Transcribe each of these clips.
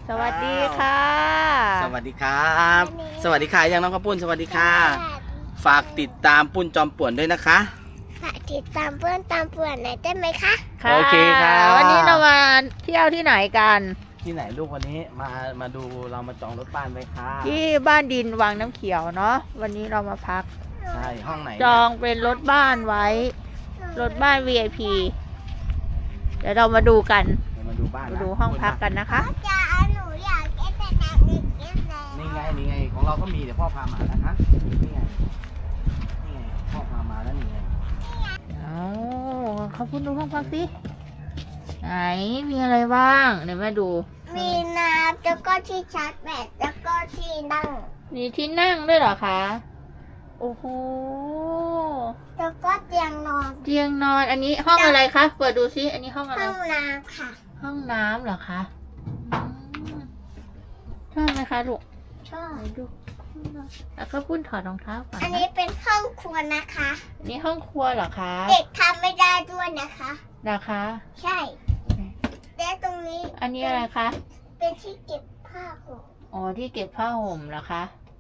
สวัสดีค่ะสวัสดีครับ สวัสดีค่ะยังน้องข้าวปุ้นสวัสดีค่ะ ฝากติดตามปุ้นจอมป่วนด้วยนะคะฝากติดตามเพื่อนตามป่วนหน่อยได้ไหมคะโอเคครับวันนี้เรามาเที่ยวที่ไหนกันที่ไหนลูกวันนี้มาดูเรามาจองรถบ้านไว้ค่ะที่บ้านดินวังน้ำเขียวเนาะวันนี้เรามาพักใช่ห้องไหนจองเป็นรถบ้านไว้ รถบ้าน VIP เดี๋ยวเรามาดูกันเดี๋ยวมาดูบ้านนะมาดูห้องพักกันนะคะจะเอาหนูอยากเล่นแต่น้ำเล่นแล้วนี่ไงของเราก็มีเดี๋ยวพ่อพามานะคะนี่ไงพ่อพามาแล้วนี่ไงเอาเขาพูดดูห้องพักสิไหนมีอะไรบ้างเดี๋ยวมาดูมีน้ำแล้วก็ที่ชาร์จแบตแล้วก็ที่นั่งมีที่นั่งด้วยเหรอคะ โอ้โหแล้วก็เตียงนอนเตียงนอนอันนี้ห้องอะไรคะ เปิดดูซิอันนี้ห้องอะไรห้องน้ำค่ะห้องน้ำเหรอคะอืมชอบไหมคะลูกชอบไหนดูแล้วก็ปุ้นถอดรองเท้าก่อนอันนะนี้เป็นห้องครัวนะคะอันนี้ห้องครัวเหรอคะเด็กทำไม่ได้ด้วยนะคะนะคะใช่และตรงนี้อันนี้อะไรคะเป็นที่เก็บผ้าห่มอ๋อที่เก็บผ้าห่มเหรอคะ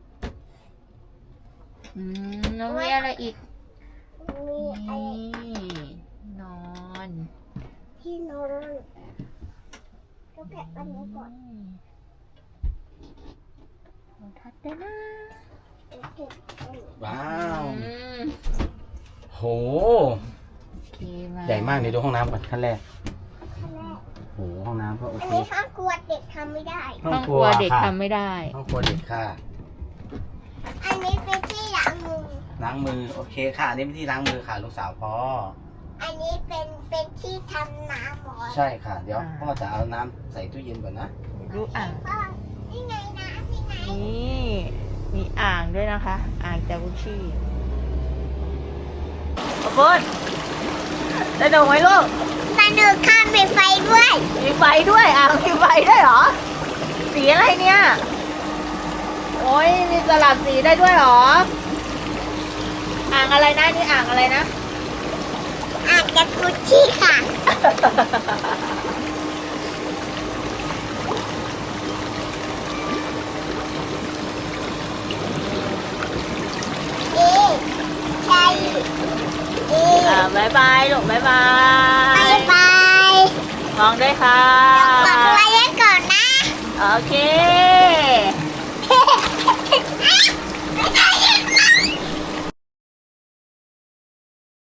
แล้วมีอะไรอีกมีอะไรนี่นอนที่นอนก็แกะอันนี้ก่อนโอ้ทัดได้นะเก็บอันนี้ว้าวอืมโหโอเคใหญ่มากเลยดูห้องน้ำก่อนขั้นแรกขั้นแรกโหห้องน้ำก็โออันเคนี้ห้องครัวเด็กทำไม่ได้ห้องครัวเด็กค่ะทำไม่ได้ห้องครัวเด็กค่ะอันนี้เป็นที่ล้างมือล้างมือโอเคค่ะอันนี้เป็นที่ล้างมือค่ะลูกสาวพ่ออันนี้เป็นที่ทำน้ำหมอใช่ค่ะ เดี๋ยวพ่อจะเอาน้ำใส่ตู้เย็นก่อนนะดูอ่างพ่อนี่ไงน้ำนี่ไงนี่มีอ่างด้วยนะคะ อ่างจากุชี่ขอบคุณได้ดงไหมลูกมาดูข้ามมีไฟด้วยมีไฟด้วยอ่างมีไฟด้วยเหรอ สีอะไรเนี่ย โอ้ยมีสลับสีได้ด้วยเหรอ อ่างอะไรนะนี่อ่างอะไรนะอาจจะกุชชี่ค่ะเอ๊ะใช่เอ๊ะบายบายลูกบายบาบาย ยบายมองด้วยค่ะ